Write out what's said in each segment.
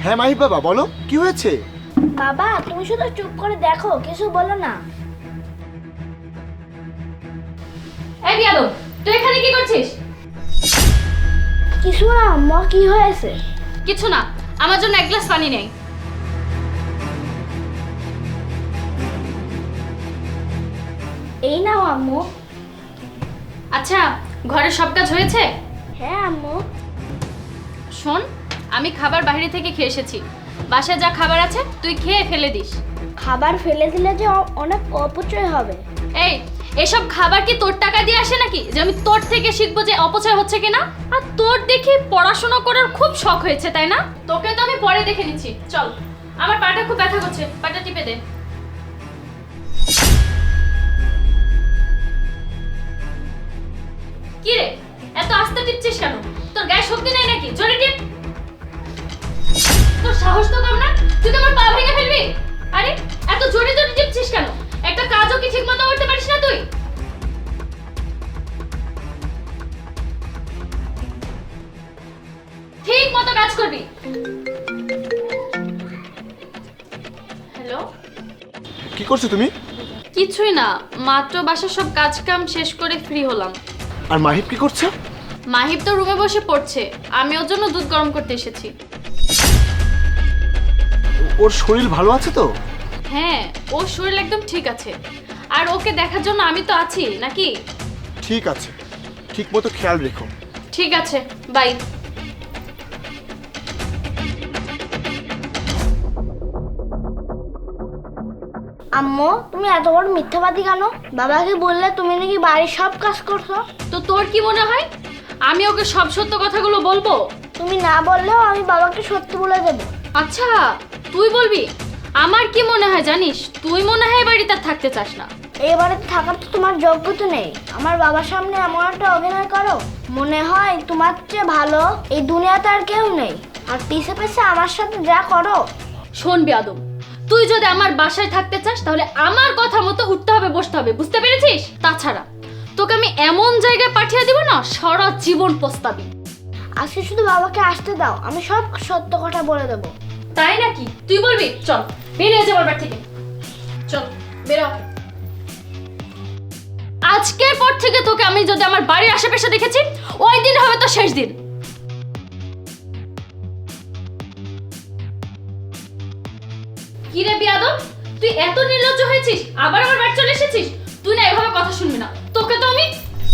হ্যাঁ মাহিব বাবা, বলো কি হয়েছে? বাবা তুমি শুধু চুপ করে দেখো, কিছু বলো না। এই বিয়াদব, তুই এখানে কি করছিস? কিছু না আম্মা, কি হয়েছে? কিছু না, আমার জন্য এক গ্লাস পানি নেই। এই নাও আম্মু। আচ্ছা, ঘরের সব কাজ হয়েছে? হ্যাঁ আম্মু। শোন, আমি খাবার বাইরে থেকে খেয়ে এসেছি। বাসায় যা খাবার আছে তুই খেয়ে ফেলে দিস। খাবার ফেলে দিলে যে অনেক অপচয় হবে। এই, এসব খাবার কি তোর টাকা দিয়ে আসে নাকি যে আমি তোর থেকে শিখবো যে অপচয় হচ্ছে কিনা? আর তোর দেখি পড়াশোনা করার খুব শখ হয়েছে, তাই না? তোকে তো আমি পরে দেখে নিচ্ছি। চল, আমার পাটা খুব ব্যথা করছে, পাটা টিপে দে। কি রে, এত আস্তে টিপছিস কেন? তোর গায়ে শক্তি নেই নাকি? জোরে টিপ। তোর সাহস তো কম না, তুই তো আমার পা ভেঙে ফেলবি। আরে এত জোরে জোরে টিপছিস কেন? একটা কাজও কি ঠিকমতো করতে পারিস না তুই? ঠিক মতো কাজ করবি। হ্যালো, কি করছো তুমি? কিছুই না, মাত্র বাসার সব কাজ কাম শেষ করে ফ্রি হলাম। আর মাহিব কি করছে? মাহিব তো রুমে বসে পড়ছে, আমি ওর জন্য দুধ গরম করতে এসেছি। ওর শরীর ভালো আছে তো? হ্যাঁ, ওর শরীর একদম ঠিক আছে। আর ওকে দেখার জন্য আমি তো আছি নাকি? ঠিক আছে, ঠিক মতো খেয়াল রেখো। ঠিক আছে, বাই। আম্মু তুমি এত বড় মিথ্যাবাদী কেন? বাবাকে বললে তুমি নাকি বাড়ির সব কাজ করছো। তো তোর কি মনে হয় আমি ওকে সব সত্য কথাগুলো বলবো? তুমি না বললেও আমি বাবাকে সত্যি বলে দেবো। আচ্ছা, তুই বলবি? আমার কি মনে হয় জানিস, তুই মনে হয় এই বাড়িতে আর থাকতে চাস না। এই বাড়িতে থাকার তো তোমার যোগ্যতা নেই। আমার বাবার সামনে এমন একটা অভিনয় করো, মনে হয় তোমার চেয়ে ভালো এই দুনিয়াতে আর কেউ নেই। আর পিছে পিছে আমার সাথে যা করো। শোন বেয়াদব, তুই যদি আমার বাসায় থাকতে চাস তাহলে আমার কথা মতো উঠতে হবে, বসতে হবে, বুঝতে পেরেছিস? তাছাড়া তোকে আমি এমন জায়গায় পাঠিয়ে দিব না, সারা জীবন পস্তাবি। আজকে শুধু বাবাকে আসতে দাও, আমি সব সত্য কথা বলে দেবো। তাই নাকি? তুই বলবি? চল বেরিয়ে যা আমার বাড়ি থেকে, চল বেরো। আজকের পর থেকে তোকে আমি যদি আমার বাড়ির আশেপাশে দেখেছি, ওই দিন হবে তো শেষ দিন। কি রে বিয়াদব, তুই এত নির্লজ্জ হয়েছিস, আবার আমার বাড়ি চলে এসেছিস? তুই না এভাবে কথা শুনবি না, তোকে তো আমি।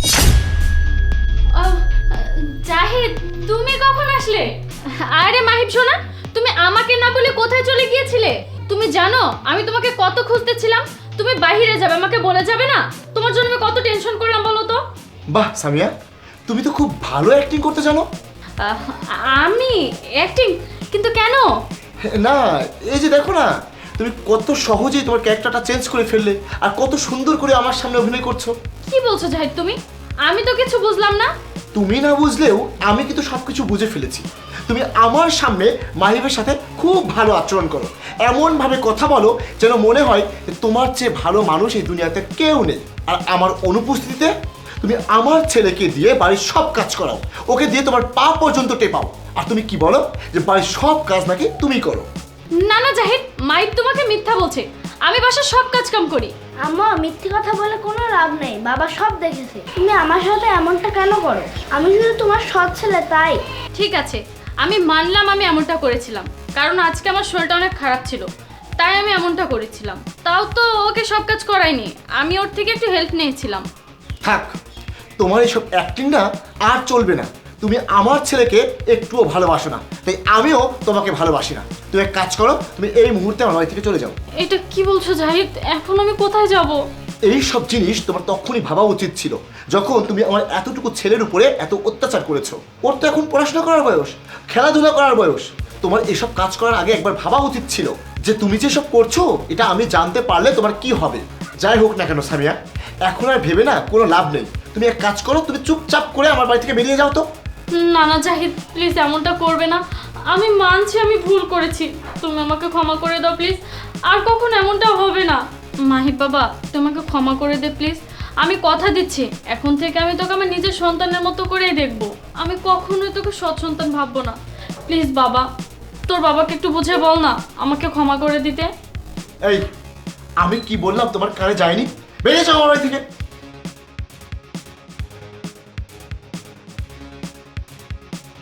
জাহিদ, তুমি কখন আসলে? আরে মাহিব শোনা, তুমি আমাকে না বলে কোথায় চলে গিয়েছিলে? তুমি জানো আমি তোমাকে কত খুঁজতেছিলাম। তুমি বাইরে যাবে, আমাকে বলে যাবে না? তোমার জন্য আমি কত টেনশন করলাম বলো তো। বাহ সামিয়া, তুমি তো খুব ভালো অ্যাক্টিং করতে জানো। আহ, আমি অ্যাক্টিং? কিন্তু কেন? না, এই যে দেখো না, তুমি কত সহজেই তোমার ক্যারেক্টারটা চেঞ্জ করে ফেললে, আর কত সুন্দর করে আমার সামনে অভিনয় করছো। কি বলছো জাহিদ তুমি? আমি তো কিছু বুঝলাম না। তুমি না বুঝলেও আমি কিন্তু সবকিছু বুঝে ফেলেছি। তুমি আমার সামনে মাহিবের সাথে খুব ভালো আচরণ করো, এমনভাবে কথা বলো যেন মনে হয় যে তোমার চেয়ে ভালো মানুষ এই দুনিয়াতে কেউ নেই। আর আমার অনুপস্থিতিতে তুমি আমার ছেলেকে দিয়ে বাড়ির সব কাজ করাও, ওকে দিয়ে তোমার পা পর্যন্ত টেপাও। আর তুমি কি বলো যে বাড়ির সব কাজ নাকি তুমি করো। না না জাহিদ, মাইক তোমাকে মিথ্যা বলছে। আমি বাসার সব কাজ কাম করি। আম্মা মিথ্যে কথা বলে কোনো লাভ নেই, বাবা সব দেখেছে। তুমি আমার সাথে এমনটা কেন করো? আমি শুধু তোমার সৎ ছেলে তাই। ঠিক আছে, আমি মানলাম আমি এমনটা করেছিলাম, কারণ আজকে আমার শরীরটা অনেক খারাপ ছিল, তাই আমি এমনটা করেছিলাম। তাও তো ওকে সব কাজ করাইনি, আমি ওর থেকে একটু হেল্প নিয়েছিলাম। থাক, তোমার এইসব অ্যাক্টিং না আর চলবে না। তুমি আমার ছেলেকে একটুও ভালোবাসো না, তাই আমিও তোমাকে ভালোবাসি না। তুমি এক কাজ করো, তুমি এই মুহূর্তে আমার বাড়ি থেকে চলে যাও। এটা কি বলছো জাহিদ? এখন আমি কোথায় যাব? এই সব জিনিস তোমার তখনই ভাবা উচিত ছিল, যখন তুমি আমার এতটুকু ছেলের উপরে এত অত্যাচার করেছো। ওর তো এখন পড়াশোনা করার বয়স, খেলাধুলা করার বয়স। তোমার এসব কাজ করার আগে একবার ভাবা উচিত ছিল যে তুমি যেসব করছো এটা আমি জানতে পারলে তোমার কি হবে। যাই হোক না কেন সামিয়া, এখন আর ভেবে না কোনো লাভ নেই। তুমি এক কাজ করো, তুমি চুপচাপ করে আমার বাড়ি থেকে বেরিয়ে যাও তো। না না জাহিদ, প্লিজ এমনটা করবে না। আমি মানছি আমি ভুল করেছি, তুমি আমাকে ক্ষমা করে দাও প্লিজ। আর কখন এমনটা হবে না। মাহিব বাবা, তোমাকে ক্ষমা করে দে প্লিজ। আমি কথা দিচ্ছি, এখন থেকে আমি তোকে আমার নিজের সন্তানের মতো করেই দেখবো। আমি কখনোই তোকে সৎ সন্তান ভাববো না। প্লিজ বাবা, তোর বাবাকে একটু বুঝে বল না আমাকে ক্ষমা করে দিতে। এই, আমি কি বললাম তোমার কানে যায়নি? বেরিয়ে যাও আমার বাড়ি থেকে।